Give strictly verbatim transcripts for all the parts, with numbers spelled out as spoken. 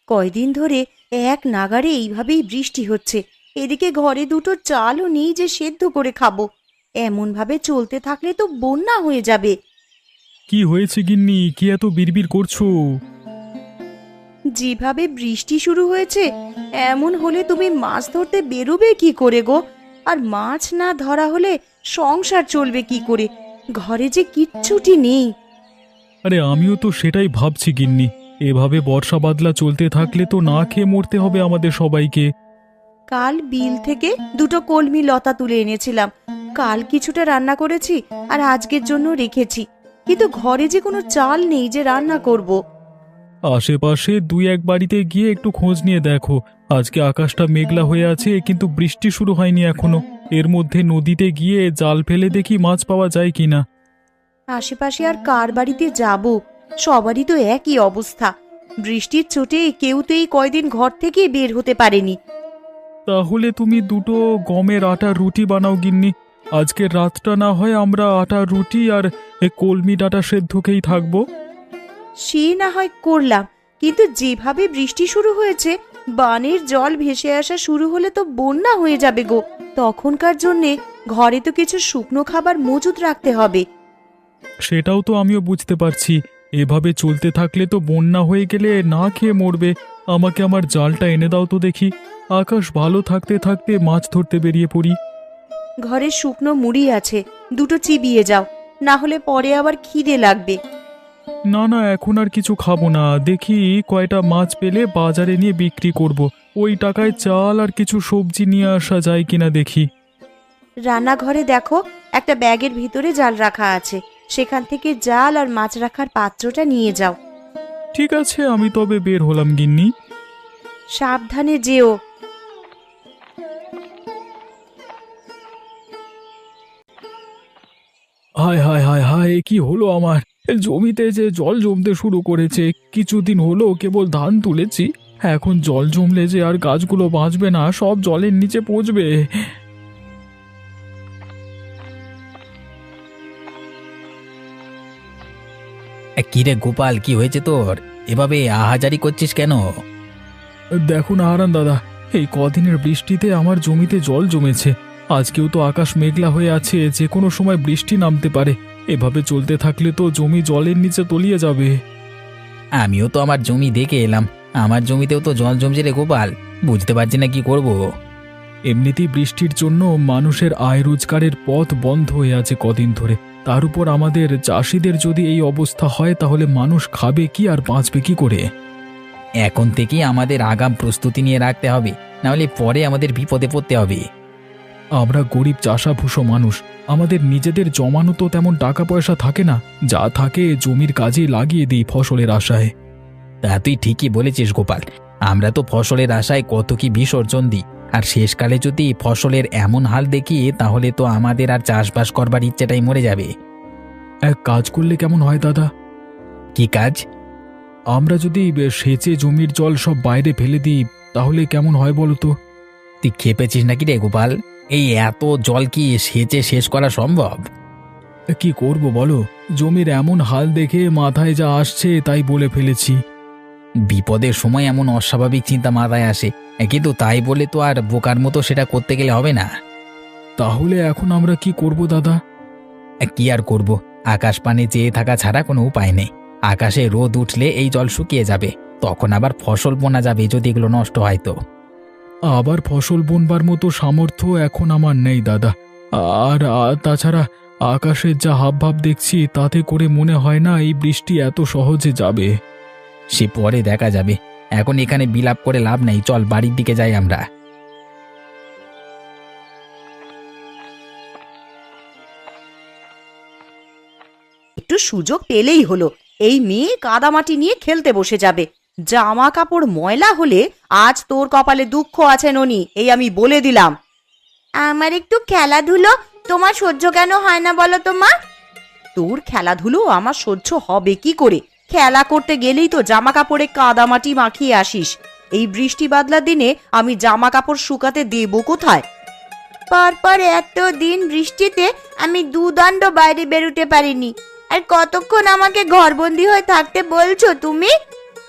কয়দিন ধরে এক নাগাড়ে এইভাবেই বৃষ্টি হচ্ছে। এদিকে ঘরে দুটো চালও নেই যে সেদ্ধ করে খাবো। এমন ভাবে চলতে থাকলে তো বন্যা হয়ে যাবে। কি হয়েছে গিন্নি, কি এত বিড়বিড় করছো? যেভাবে বৃষ্টি শুরু হয়েছে, এমন হলে তুমি মাছ ধরতে বেরোবে কি করে গো? আর মাছ না ধরা হলে সংসার চলবে কি করে? ঘরে যে কিচ্ছুটি নেই। আরে আমিও তো সেটাই ভাবছি গিন্নি, এভাবে বর্ষা বাদলা চলতে থাকলে তো না খেয়ে মরতে হবে আমাদের সবাইকে। কাল বিল থেকে দুটো কলমি লতা তুলে এনেছিলাম। কাল কিছুটা রান্না করেছি আর আজকের জন্য রেখেছি, কিন্তু ঘরে যে কোনো চাল নেই যে রান্না করব। আশেপাশে দুই এক বাড়িতে গিয়ে একটু খোঁজ নিয়ে দেখো। আজকে আকাশটা মেঘলা হয়ে আছে, কিন্তু বৃষ্টি শুরু হয়নি এখনো। এর মধ্যে নদীতে গিয়ে জাল ফেলে দেখি মাছ পাওয়া যায় কিনা। আশেপাশে আর কার বাড়িতে যাব? সবারই তো একই অবস্থা। বৃষ্টির চোটে কেউ তো এই কয়দিন ঘর থেকে বের হতে পারেনি। তাহলে তুমি দুটো গমের আটার রুটি বানাও গিন্নি। আজকের রাতটা না হয় আমরা আটার রুটি আর এ কলমি ডাঁটা সেদ্ধ খেয়েই থাকবো। সে না হয় করলাম, কিন্তু যেভাবে বৃষ্টি শুরু হয়েছে, বানের জল ভেসে আসা শুরু হলে তো বন্যা হয়ে যাবে গো। তখনকার জন্যে ঘরে তো কিছু শুকনো খাবার মজুত রাখতে হবে। সেটাও তো আমিও বুঝতে পারছি। এভাবে চলতে থাকলে তো বন্যা হয়ে গেলে না খেয়ে মরবে। আমাকে আমার জালটা এনে দাও তো দেখি। আকাশ ভালো থাকতে থাকতে মাছ ধরতে বেরিয়ে পড়ি। ঘরে শুকনো মুড়ি আছে, দুটো চিবিয়ে যাও, না হলে পরে আবার খিদে লাগবে। না না, এখন আর কিছু খাবো না। দেখি কয়টা মাছ পেলে বাজারে নিয়ে বিক্রি করব। ওই টাকায় চাল আর কিছু সবজি নিয়ে আসা যায় কিনা দেখি। রান্নাঘরে দেখো, একটা ব্যাগের ভিতরে জাল রাখা আছে, সেখান থেকে জাল আর মাছ রাখার পাত্রটা নিয়ে যাও। ঠিক আছে, আমি তবে বের হলাম গিন্নি। সাবধানে যেও। হায় হায় হায় হায়, কি হলো আমার? জমিতে যে জল জমতে শুরু করেছে। কিছুদিন হলো কেবল ধান তুলেছি, এখন জল জমলে যে আর গাছগুলো বাঁচবে না, সব জলের নিচে পচবে। কিরে গোপাল, কি হয়েছে তোর? এভাবে আহাজারি করছিস কেন? দেখুন হারান দাদা, এই কদিনের বৃষ্টিতে আমার জমিতে জল জমেছে। আজকেও তো আকাশ মেঘলা হয়ে আছে, যে কোনো সময় বৃষ্টি নামতে পারে। এভাবে চলতে থাকলে তো জমি জলের নিচে তলিয়ে যাবে। আমিও তো আমার জমি দেখে এলাম, আমার জমিতেও তো জল জমছে রে গোপাল। বুঝতে পারছি না কি করব। এমনিতেই বৃষ্টির জন্য মানুষের আয় রোজগারের পথ বন্ধ হয়ে আছে কদিন ধরে। তার উপর আমাদের চাষিদের যদি এই অবস্থা হয়, তাহলে মানুষ খাবে কি আর বাঁচবে কি করে? এখন থেকেই আমাদের আগাম প্রস্তুতি নিয়ে রাখতে হবে, নাহলে পরে আমাদের বিপদে পড়তে হবে। আমরা গরিব চাষাভুষো মানুষ, আমাদের নিজেদের জমানো তো তেমন টাকা পয়সা থাকে না। যা থাকে জমির কাজে লাগিয়ে দিই ফসলের আশায়। তা তুই ঠিকই বলেছিস গোপাল, আমরা তো ফসলের আশায় কত কি বিসর্জন দিই। আর শেষকালে যদি ফসলের এমন হাল দেখি, তাহলে তো আমাদের আর চাষবাস করবার ইচ্ছেটাই মরে যাবে। এক কাজ করলে কেমন হয় দাদা? কি কাজ? আমরা যদি সেচে জমির জল সব বাইরে ফেলে দিই, তাহলে কেমন হয় বলো তো? তুই খেপেছিস নাকি রে গোপাল? এই এত জল কি সেচে শেষ করা সম্ভব? কি করব বলো, জমির এমন হাল দেখে মাথায় যা আসছে তাই বলে ফেলেছি। বিপদের সময় এমন অস্বাভাবিক চিন্তা মাথায় আসে, কিন্তু তাই বলে তো আর বোকার মতো সেটা করতে গেলে হবে না। তাহলে এখন আমরা কি করব দাদা? কি আর করব, আকাশ পানে চেয়ে থাকা ছাড়া কোনো উপায় নেই। আকাশে রোদ উঠলে এই জল শুকিয়ে যাবে, তখন আবার ফসল বোনা যাবে যদি এগুলো নষ্ট হয় তো। আবার ফসল বুনবার মতো সামর্থ্য এখন আমার নেই দাদা। আর আর তাছাড়া আকাশের যা হাবভাব দেখছি, তাতে করে মনে হয় না এই বৃষ্টি এত সহজে যাবে। সে পরে দেখা যাবে, এখন এখানে বিলাপ করে লাভ নেই। চল বাড়ির দিকে যাই আমরা। একটু সুযোগ পেলেই হলো, এই মেয়ে কাদামাটি নিয়ে খেলতে বসে যাবে। জামা কাপড় ময়লা হলে আজ তোর কপালে দুঃখ আছে ননি, এই আমি বলে দিলাম। আমার একটু খেলাধুলো তোমার সহ্য কেন হয় না বলো তো মা? তোর খেলাধুলো আমার সহ্য হবে কি করে? খেলা করতে গেলেই তো জামা কাপড়ে কাদামাটি মাখিয়ে আসিস। এই বৃষ্টি বাদলার দিনে আমি জামা কাপড় শুকাতে দেব কোথায়? পরপর এত দিন বৃষ্টিতে আমি দুদণ্ড বাইরে বেরোতে পারিনি, আর কতক্ষণ আমাকে ঘরবন্দি হয়ে থাকতে বলছো তুমি?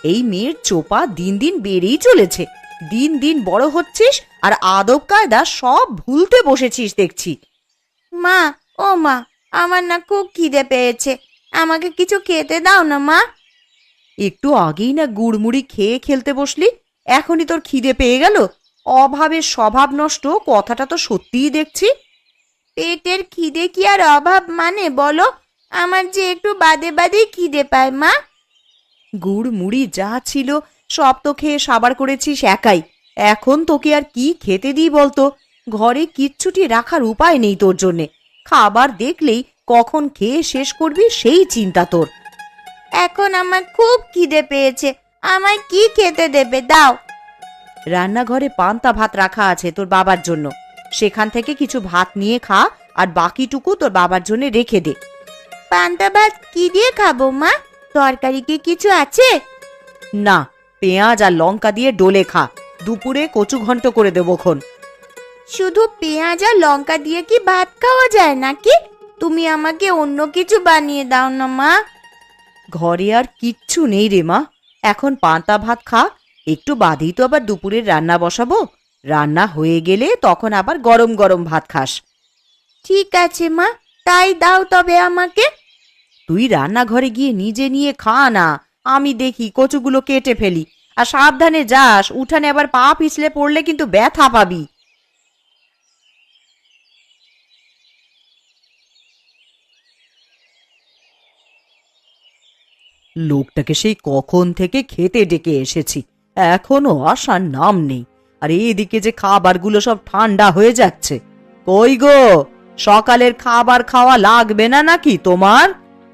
এই মেয়ের চোপা দিন দিন বেড়েই চলেছে। দিন দিন বড় হচ্ছিস আর আদব কায়দা সব ভুলতে বসেছিস দেখছি। মা, ও মা, আমার না খুব খিদে পেয়েছে, আমাকে কিছু খেতে দাও না মা। একটু আগেই না গুড়মুড়ি খেয়ে খেলতে বসলি, এখনই তোর খিদে পেয়ে গেল? অভাবের স্বভাব নষ্ট কথাটা তো সত্যিই দেখছি। পেটের খিদে কি আর অভাব মানে বলো? আমার যে একটু বাদে বাদেই খিদে পায় মা। গুড় মুড়ি যা ছিল সব তো খেয়ে সাবার করেছিস একাই। এখন তোকে আর কি খেতে দিই বলতো? ঘরে কিচ্ছুটি রাখার উপায় নেই তোর জন্যে। খাবার দেখলেই কখন খেয়ে শেষ করবি সেই চিন্তা তোর। এখন আমার খুব খিদে পেয়েছে, আমায় কি খেতে দেবে দাও। রান্নাঘরে পান্তা ভাত রাখা আছে তোর বাবার জন্য, সেখান থেকে কিছু ভাত নিয়ে খা, আর বাকিটুকু তোর বাবার জন্য রেখে দে। পান্তা ভাত কি দিয়ে খাবো মা? তরকারি কি কিছু আছে? না, পেঁয়াজ আর লঙ্কা দিয়ে ডোলে খা। দুপুরে কচু ঘন্ট করে দেবো খন। শুধু পেঁয়াজ আর লঙ্কা দিয়ে কি ভাত খাওয়া যায় নাকি? তুমি আমাকে অন্য কিছু বানিয়ে দাও না মা। ঘরে আর কিচ্ছু নেই রে মা, এখন পান্তা ভাত খা। একটু বাদেই তো আবার দুপুরের রান্না বসাবো। রান্না হয়ে গেলে তখন আবার গরম গরম ভাত খাস। ঠিক আছে মা, তাই দাও তবে আমাকে। তুই রান্নাঘরে গিয়ে নিজে নিয়ে খা না, আমি দেখি কচুগুলো কেটে ফেলি। আর সাবধানে যাস, উঠানে আবার পা পিছলে পড়লে কিন্তু ব্যথা পাবি। লোকটাকে সেই কখন থেকে খেতে ডেকে এসেছি, এখনো আসার নাম নেই। আর এদিকে যে খাবারগুলো সব ঠান্ডা হয়ে যাচ্ছে। কই গো, সকালের খাবার খাওয়া লাগবে না নাকি তোমার?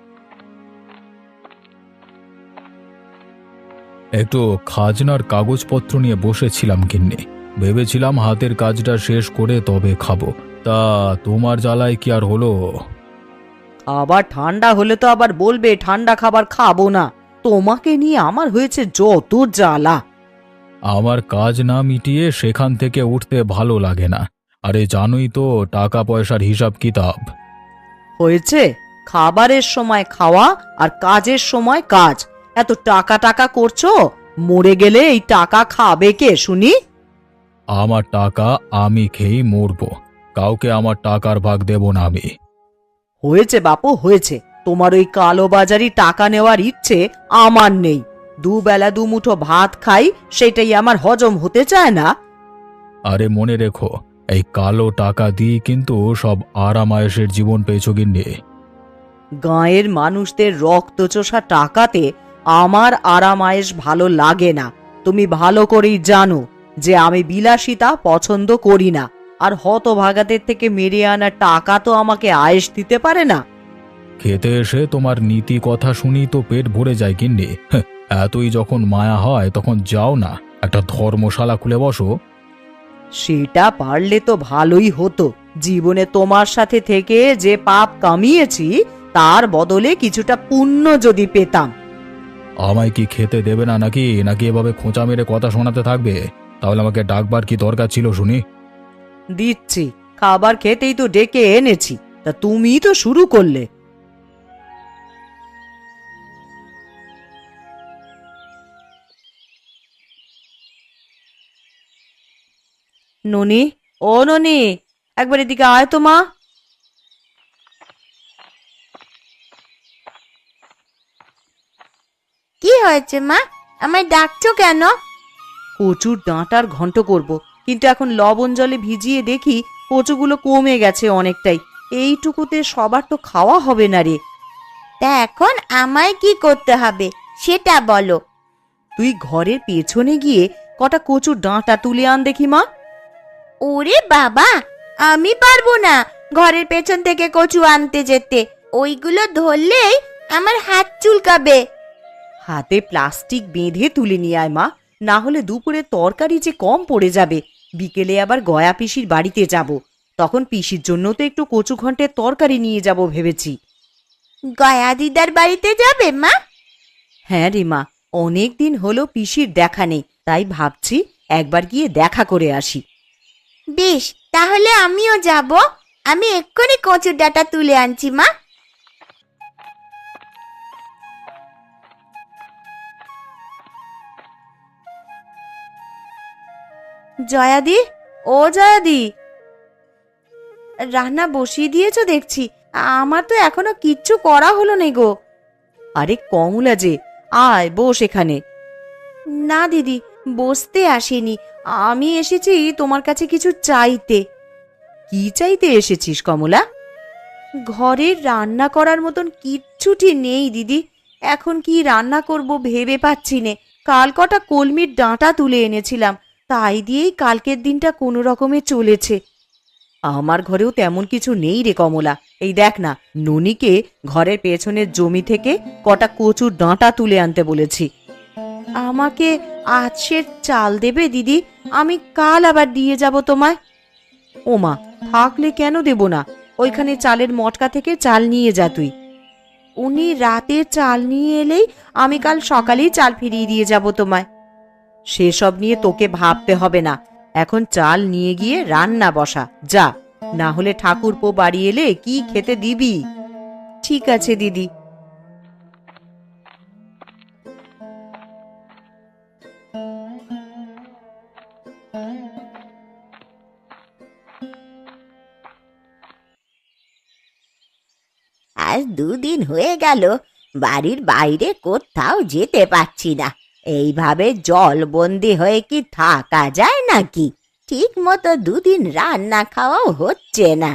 একটু খাজনার কাগজপত্র নিয়ে বসেছিলাম গিন্নি, ভেবেছিলাম হাতের কাজটা শেষ করে তবে খাবো। তা তোমার জ্বালায় কি আর হলো? আবার ঠান্ডা হলে তো আবার বলবে ঠান্ডা খাবার খাবো না। তোমাকে নিয়ে আমার হয়েছে যত জ্বালা। আমার কাজ না মিটিয়ে সেখান থেকে উঠতে ভালো লাগে না। আরে জানোই তো টাকা পয়সার হিসাব কিতাব। হয়েছে, খাবারের সময় খাওয়া আর কাজের সময় কাজ। এত টাকা টাকা করছো, মরে গেলে এই টাকা খাবে কে শুনি? আমার টাকা আমি খেয়েই মরবো, কাউকে আমার টাকার ভাগ দেব না আমি। হয়েছে বাপু হয়েছে, তোমার ওই কালোবাজারি টাকা নেওয়ার ইচ্ছে আমার নেই। দুবেলা দুমুঠো ভাত খাই, সেটাই আমার হজম হতে চায় না। আরে মনে রেখো, এই কালো টাকা দিয়ে কিন্তু সব আরাম আয়েশের জীবন পেয়েছো গিন্নি। গাঁয়ের মানুষদের রক্তচোষা টাকাতে আমার আরাম আয়েশ ভালো লাগে না। তুমি ভালো করেই জানো যে আমি বিলাসিতা পছন্দ করি না। আর হতভাগাদের থেকে মেরে আনা টাকা তো আমাকে আয়েশ দিতে পারে না। খেতে এসে তোমার নীতি কথা শুনি তো পেট ভরে যায় গিন্নি। হ্যাঁ, এতই যখন মায়া হয় তখন যাও না, একটা ধর্মশালা খুলে বসো। সেটা পারলে তো ভালোই হতো। জীবনে তোমার সাথে থেকে যে পাপ কামিয়েছি তার বদলে কিছুটা পুণ্য যদি পেতাম। আমায় কি খেতে দেবে না নাকি নাকি এভাবে খোঁচা মেরে কথা শোনাতে থাকবে? তাহলে আমাকে ডাকবার কি দরকার ছিল শুনি? দিচ্ছি, খাবার খেতেই তো ডেকে এনেছি, তা তুমি তো শুরু করলে। ননি, ও ননি, একবার এদিকে আয় তো মা। কি হয়েছে মা, আমায় ডাকছো কেন? কচুর ডাঁটার ঘন্ট করব, কিন্তু এখন লবণ জলে ভিজিয়ে দেখি কচুগুলো কমে গেছে অনেকটাই। এইটুকুতে সবার তো খাওয়া হবে না রে। তা এখন আমায় কি করতে হবে সেটা বলো। তুই ঘরের পেছনে গিয়ে কটা কচুর ডাঁটা তুলে আন দেখি মা। ওরে বাবা, আমি পারবো না ঘরের পেছন থেকে কচু আনতে যেতে। ওইগুলো ধরলেই আমার হাত চুলকাবে। হাতে প্লাস্টিক বেঁধে তুলে নিয়ে আয় মা, না হলে দুপুরে তরকারি যে কম পড়ে যাবে। বিকেলে আবার গয়া পিসির বাড়িতে যাব, তখন পিসির জন্য তো একটু কচু ঘন্টের তরকারি নিয়ে যাব ভেবেছি। গয়া দিদার বাড়িতে যাবে মা? হ্যাঁ রে মা, অনেক দিন হলো পিসির দেখা নেই, তাই ভাবছি একবার গিয়ে দেখা করে আসি। বেশ, তাহলে আমিও যাব। আমি এক্ষুনি কচুর ডাঁটা তুলে আনছি মা। জয়াদি, ও জয়াদি, রান্না বসিয়ে দিয়েছো দেখছি। আমার তো এখনো কিচ্ছু করা হলো না গো। আরে কমলা যে, আয় বস এখানে। না দিদি, বসতে আসিনি, আমি এসেছি তোমার কাছে কিছু চাইতে। কি চাইতে এসেছিস কমলা? ঘরের রান্না করার মতন কিচ্ছুটি নেই দিদি। এখন কি রান্না করব ভেবে পাচ্ছি নে। কাল কটা কলমির ডাঁটা তুলে এনেছিলাম, তাই দিয়েই কালকের দিনটা কোনো রকমে চলেছে। আমার ঘরেও তেমন কিছু নেই রে কমলা। এই দেখ না, ননিকে ঘরের পেছনের জমি থেকে কটা কচুর ডাঁটা তুলে আনতে বলেছি। আমাকে আজ সে চাল দেবে দিদি? আমি কাল আবার দিয়ে যাব তোমায়। ওমা, থাকলে কেন দেব না? ওইখানে চালের মটকা থেকে চাল নিয়ে যা তুই। উনি রাতে চাল নিয়ে এলেই আমি কাল সকালেই চাল ফিরিয়ে দিয়ে যাব তোমায়। সেসব নিয়ে তোকে ভাবতে হবে না, এখন চাল নিয়ে গিয়ে রান্না বসা যা, না হলে ঠাকুরপো বাড়ি এলে কি খেতে দিবি? ঠিক আছে দিদি। আজ দুদিন হয়ে গেল বাড়ির বাইরে কোথাও যেতে পারছি না। এইভাবে জলবন্দি হয়ে কি থাকা যায় নাকি? ঠিক মতো দুদিন রান্না খাওয়াও হচ্ছে না।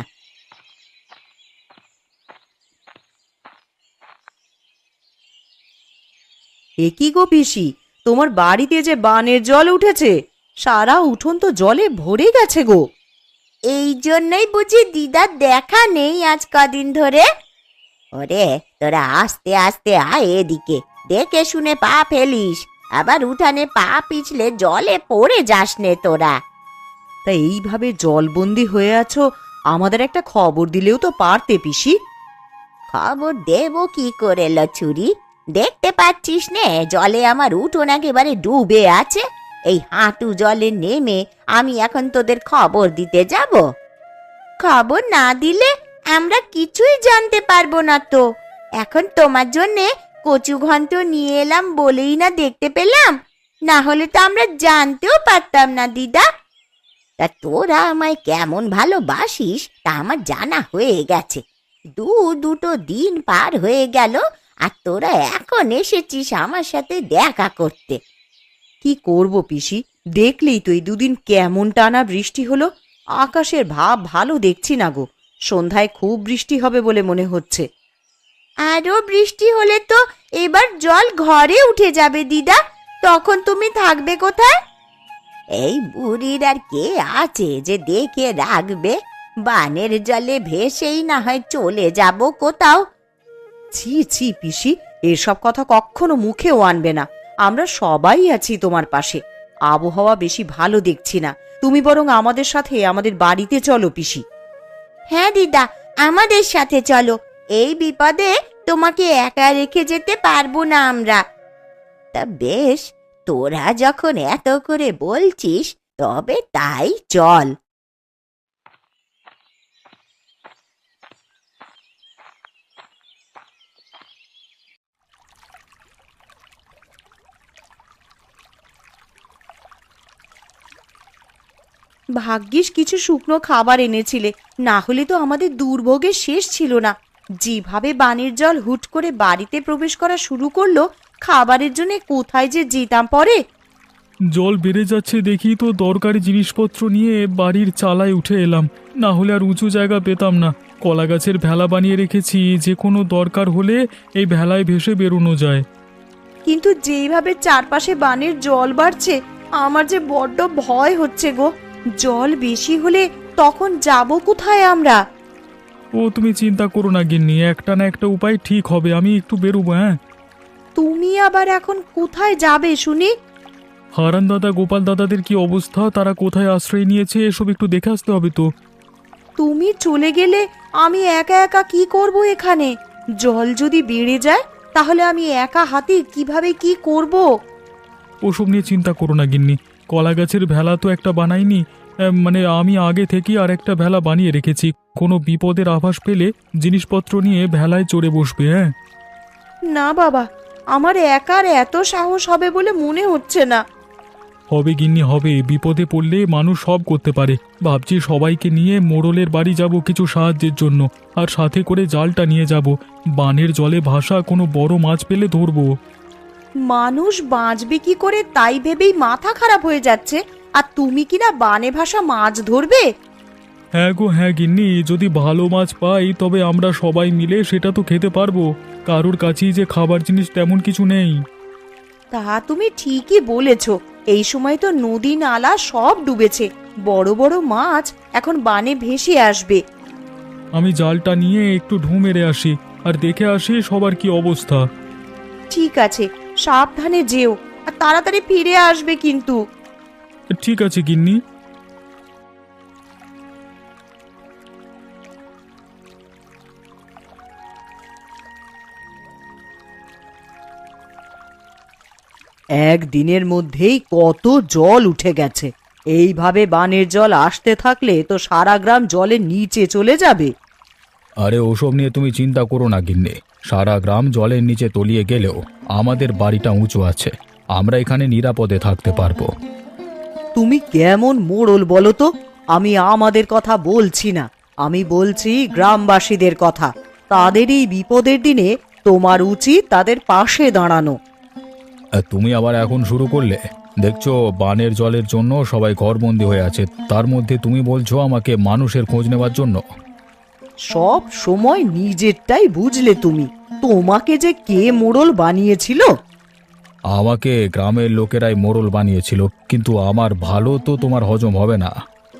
এ কি গো পিসি, তোমার বাড়িতে যে বানের জল উঠেছে? সারা উঠোন তো জলে ভরে গেছে গো। এই জন্যই বুঝি দিদার দেখা নেই আজ কদিন ধরে। ওরে তোরা আস্তে আস্তে আয় এদিকে, দেখে শুনে পা ফেলিস, আবার উঠানে পা পিছলে জলে পড়ে যাস নে তোরা। তা এইভাবে জলবন্দি হয়ে আছো, আমাদের একটা খবর দিলেও তো পারতে পিসি। খবর দেব কি করে লছুরি? দেখতে পাচ্ছিস নে জলে আমার উঠোন একেবারে ডুবে আছে। এই হাঁটু জলে নেমে আমি এখন তোদের খবর দিতে যাব? খবর না দিলে আমরা কিছুই জানতে পারবো না তো। এখন তোমার জন্যে কচু ঘন্ট নিয়ে এলাম বলেই না দেখতে পেলাম, না হলে তো আমরা জানতেও পারতাম না দিদা। তা তোরা আমায় কেমন ভালোবাসিস তা আমার জানা হয়ে গেছে। দু দুটো দিন পার হয়ে গেল আর তোরা এখন এসেছিস আমার সাথে দেখা করতে। কি করব পিসি, দেখলেই তো এই দুদিন কেমন টানা বৃষ্টি হলো। আকাশের ভাব ভালো দেখছি না গো, সন্ধ্যায় খুব বৃষ্টি হবে বলে মনে হচ্ছে। আরো বৃষ্টি হলে তো এবার জল ঘরে উঠে যাবে দিদা, তখন তুমি থাকবে কোথায়? এই বুড়ির আর কে আছে যে দেখে রাখবে? বানের জলে ভেসেই না হয় চলে যাব কোথাও। ছি ছি পিসি, এসব কথা কখনো মুখেও আনবে না। আমরা সবাই আছি তোমার পাশে। আবহাওয়া বেশি ভালো দেখছি না, তুমি বরং আমাদের সাথে আমাদের বাড়িতে চলো পিসি। হ্যাঁ দিদা, আমাদের সাথে চলো। এই বিপদে তোমাকে একা রেখে যেতে পারবো না আমরা। তা বেশ, তোরা যখন এত করে বলছিস তবে তাই চল। ভাগ্যিস কিছু শুকনো খাবার এনেছিলে, না হলে তো আমাদের দুর্ভোগের শেষ ছিল না। যেভাবে বানের জল হুট করে বাড়িতে প্রবেশ করা শুরু করলো, খাবারের জন্য কোথায় যে যেতাম পরে। জল বেড়ে যাচ্ছে দেখি তো দরকারি জিনিসপত্র নিয়ে বাড়ির চালায় উঠে এলাম, না হলে আর উঁচু জায়গা পেতাম না। কলা গাছের ভেলা বানিয়ে রেখেছি, যে কোনো দরকার হলে এই ভেলায় ভেসে বেরোনো যায়। কিন্তু যেইভাবে চারপাশে বানের জল বাড়ছে, আমার যে বড্ড ভয় হচ্ছে গো। জল বেশি হলে তখন যাব কোথায় আমরা? ও তুমি চিন্তা করো না গিন্নি, একটা না একটা উপায় ঠিক হবে। আমি একটু বেরোবো। হ্যাঁ, তুমি আবার এখন কোথায় যাবে শুনি? হারান দাদা গোপাল দাদাদের কি অবস্থা, তারা কোথায় আশ্রয় নিয়েছে এসব একটু দেখে আসতে হবে তো। তুমি চলে গেলে আমি একা একা কি করব এখানে? জল যদি বেড়ে যায় তাহলে আমি একা হাতে কিভাবে কি করব? ওসব নিয়ে চিন্তা করো না গিন্নি, কলা গাছের ভেলা তো একটা বানাইনি, আহ, মানে আমি আগে থেকেই আর একটা ভেলা বানিয়ে রেখেছি। কোনো বিপদের আভাস পেলে জিনিসপত্র নিয়ে ভেলায় চড়ে বসবে। হ্যাঁ, না বাবা, আমার একার এত সাহস হবে বলে মনে হচ্ছে না। হবে গিন্নি হবে, বিপদে পড়লে মানুষ সব করতে পারে। ভাবছি সবাইকে নিয়ে মোড়লের বাড়ি যাব কিছু সাহায্যের জন্য, আর সাথে করে জালটা নিয়ে যাব। বানের জলে ভাসা কোনো বড় মাছ পেলে ধরবো। মানুষ বাঁচবে কি করে তাই ভেবেই মাথা খারাপ হয়ে যাচ্ছে, আর তুমি কিনা বানে ভাসা মাছ ধরবে? হ্যাঁ গো হ্যাঁ গিন্নি, যদি ভালো মাছ পাই তবে আমরা সবাই মিলে সেটা তো খেতে পারবো। কারোর কাছেই যে খাবার জিনিস তেমন কিছু নেই। তা তুমি ঠিকই বলেছ, এই সময় তো নদী নালা সব ডুবেছে, বড় বড় মাছ এখন বানে ভেসে আসবে। আমি জালটা নিয়ে একটু ঢু মেরে আসি, আর দেখে আসি সবার কি অবস্থা। ঠিক আছে, সাবধানে যেও, আর তাড়াতাড়ি ফিরে আসবে কিন্তু। ঠিক আছে গিন্নি। একদিনের মধ্যেই কত জল উঠে গেছে। এইভাবে বানের জল আসতে থাকলে তো সারা গ্রাম জলের নিচে চলে যাবে। আরে ওসব নিয়ে তুমি চিন্তা করো না গিন্নি, সারা গ্রাম জলের নিচে তলিয়ে গেলেও আমাদের বাড়িটা উঁচু আছে, আমরা এখানে নিরাপদে থাকতে পারবো। তুমি কেমন মোড়ল বলো তো? আমি আমাদের কথা বলছি না, আমি বলছি গ্রামবাসীদের কথা। তাদের এই বিপদের দিনে তোমার উচিত তাদের পাশে দাঁড়ানো। আর তুমি আবার এখন শুরু করলে? দেখছো বানের জলের জন্য সবাই ঘরবন্দি হয়ে আছে, তার মধ্যে তুমি বলছো আমাকে মানুষের খোঁজ নেওয়ার জন্য। সব সময় নিজেরটাই বুঝলে তুমি। তোমাকে যে কে মোড়ল বানিয়েছিল? আমাকে গ্রামের লোকেরাই মোড়ল বানিয়েছিল, কিন্তু আমার ভালো তো তোমার হজম হবে না।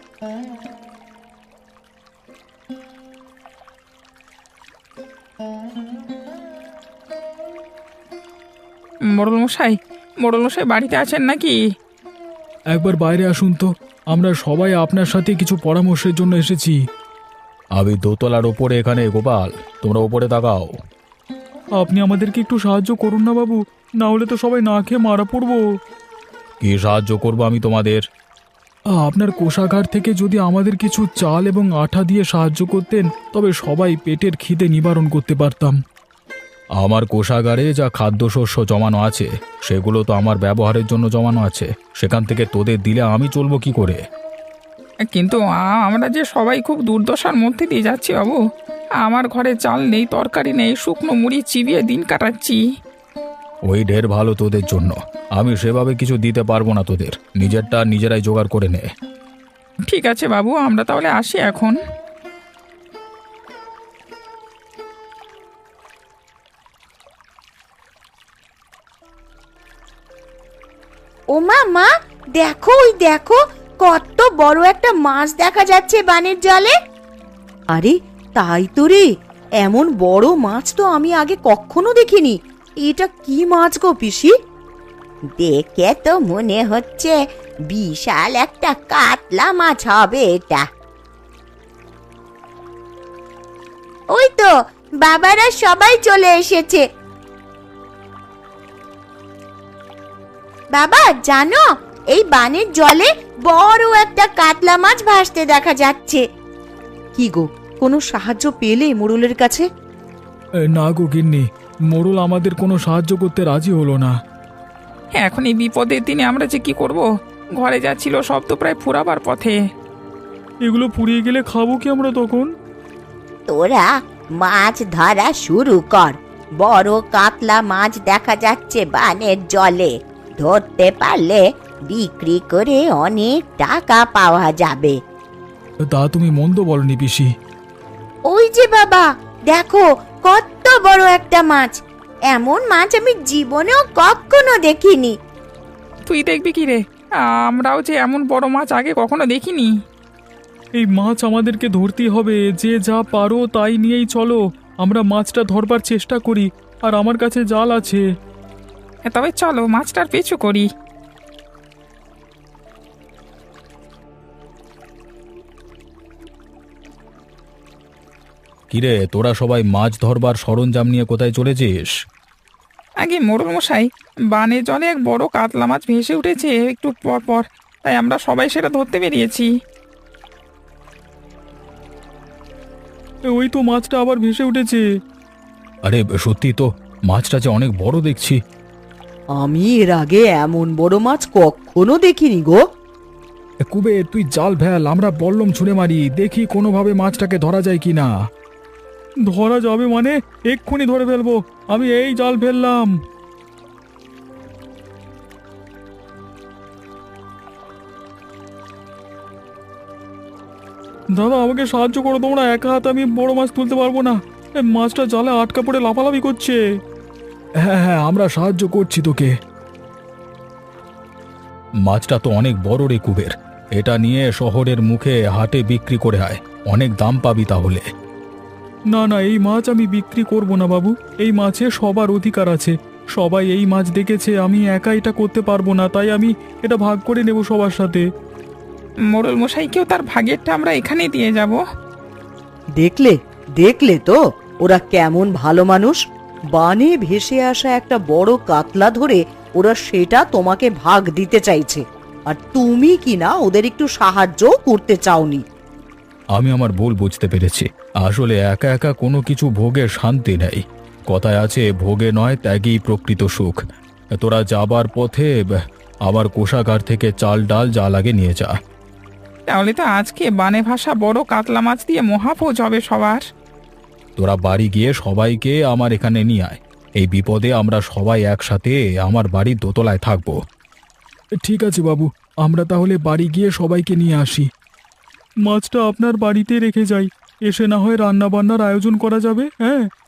মোড়ল মশাই, মোড়ল মশাই বাড়িতে আছেন নাকি? একবার বাইরে আসুন তো, আমরা সবাই আপনার সাথে কিছু পরামর্শের জন্য এসেছি। আমি দোতলার ওপরে এখানে, গোপাল তোমরা ওপরে তাকাও। আপনি আমাদেরকে একটু সাহায্য করুন না বাবু, না হলে তো সবাই না খেয়ে মারা পড়বো। কি সাহায্য করবো আমি তোমাদের? আপনার কোষাগার থেকে যদি আমাদের কিছু চাল এবং আঠা দিয়ে সাহায্য করতেন, তবে সবাই পেটের খিদে নিবারণ করতে পারতাম। আমার কোষাগারে যা খাদ্যশস্য জমানো আছে সেগুলো তো আমার ব্যবহারের জন্য জমানো আছে, সেখান থেকে তোদের দিলে আমি চলবো কি করে? কিন্তু আ- আমরা যে সবাই খুব দুর্দশার মধ্যে দিয়ে যাচ্ছি বাবু। আমার ঘরে চাল নেই, তরকারি নেই, শুকনো মুড়ি চিবিয়ে দিন কাটাচ্ছি। ওই ঢের ভালো তোদের জন্য, আমি সেভাবে কিছু দিতে পারবো না তোদের, নিজেরটা নিজেরাই জোগাড় করে নে। ঠিক আছে বাবু, আমরা তাহলে আসি এখন। ও মা, মা দেখো, ওই দেখো কত বড় একটা মাছ দেখা যাচ্ছে বানের জলে। আরে তাই তো রে, এমন বড় মাছ তো আমি আগে কখনো দেখিনি। এটা কি মাছ গো পিসি? দেখে তো মনে হচ্ছে বিশাল একটা কাতলা মাছ হবে এটা। ওই তো বাবারা সবাই চলে এসেছে। বাবা জানো, এই বানের জলে বড় একটা কাতলা মাছ ভাসতে দেখা যাচ্ছে। কি গো, কোনো সাহায্য পেলে মোড়লের কাছে? এ, না গো গিন্নি, মোড়ল আমাদের কোনো সাহায্য করতে রাজি হলো না। এখন এই বিপদের দিনে আমরা যে কি করব? ঘরে যা ছিল সব তো প্রায় ফুরাবার পথে। এগুলো পুড়িয়ে গেলে খাবো কি আমরা তখন? তোরা মাছ ধরা শুরু কর, বড় কাতলা মাছ দেখা যাচ্ছে বানের জলে। ধরতে পারলে বিক্রি করে অনেক টাকা পাওয়া যাবে। তা তুমি মন্দ বলনি পিসি। ওই যে বাবা দেখো, কত বড় একটা মাছ। এমন মাছ আমি জীবনেও কখনো দেখিনি। তুই দেখবি কি রে? আমরাও যে এমন বড় মাছ আগে কখনো দেখিনি। এই মাছ আমাদেরকে ধরতেই হবে, যে যা পারো তাই নিয়েই চলো। আমরা মাছটা ধরবার চেষ্টা করি, আর আমার কাছে জাল আছে। তবে চলো মাছটার পিছু করি। কিরে, তোরা সবাই মাছ ধরবার সরঞ্জাম নিয়ে কোথায় চলেছিস? আগে মোড়ল মশাই, বানের জলে এক বড় কাতলা মাছ ভেসে উঠেছে একটু পর পর, তাই আমরা সবাই সেটা ধরতে বেরিয়েছি। এ, ওই তো মাছটা আবার ভেসে উঠেছে। আরে সত্যি তো, মাছটা যে অনেক বড় দেখছি। আমি এর আগে এমন বড় মাছ কখনো দেখিনি গো। কুবের তুই জাল ফেল, আমরা বল্লম ছুঁড়ে মারি, দেখি কোনোভাবে মাছটাকে ধরা যায় কি না। ধরা যাবে মানে? এক্ষুনি ধরে ফেলবো, আমি এই জাল ফেললাম। দাদা আমাকে সাহায্য করো তোমরা, একা হাতে আমি বড় মাছ তুলতে পারবো না, এ মাছটা জালে আটকা পড়ে লাফালাফি করছে। হ্যাঁ হ্যাঁ আমরা সাহায্য করছি তোকে। মাছটা তো অনেক বড় রে কুবের, এটা নিয়ে শহরের মুখে হাটে বিক্রি করে আয়, অনেক দাম পাবি তাহলে। না না এই মাছ আমি বিক্রি করব না বাবু, এই মাছে সবার অধিকার আছে, সবাই এই মাছ দেখেছে, আমি একা এটা করতে পারবো না, তাই আমি এটা ভাগ করে নেব সবার সাথে। মোড়ল মশাইকেও তার ভাগেরটা আমরা এখানেই দিয়ে যাব। দেখলে দেখলে তো ওরা কেমন ভালো মানুষ। বানে ভেসে আসা একটা বড় কাতলা ধরে ওরা সেটা তোমাকে ভাগ দিতে চাইছে, আর তুমি কি না ওদের একটু সাহায্য করতে চাওনি। আমি আমার ভুল বুঝতে পেরেছি, আসলে একা একা কোনো কিছু ভোগে শান্তি নেই, কথায় আছে ভোগে নয় ত্যাগেই প্রকৃত সুখ। তোরা যাবার পথে আবার কোষাগার থেকে চাল ডাল যা লাগে নিয়ে যা। তাহলে তো আজকে বানে ভাষা বড় কাতলা মাছ দিয়ে মহাভোজ হবে সবার। তোরা বাড়ি গিয়ে সবাইকে আমার এখানে নিয়ে আয়, এই বিপদে আমরা সবাই একসাথে আমার বাড়ির দোতলায় থাকবো। ঠিক আছে বাবু, আমরা তাহলে বাড়ি গিয়ে সবাইকে নিয়ে আসি। মাছটা আপনার বাড়িতে রেখে যাই, এসে না হয় রান্না বান্নার আয়োজন করা যাবে। হ্যাঁ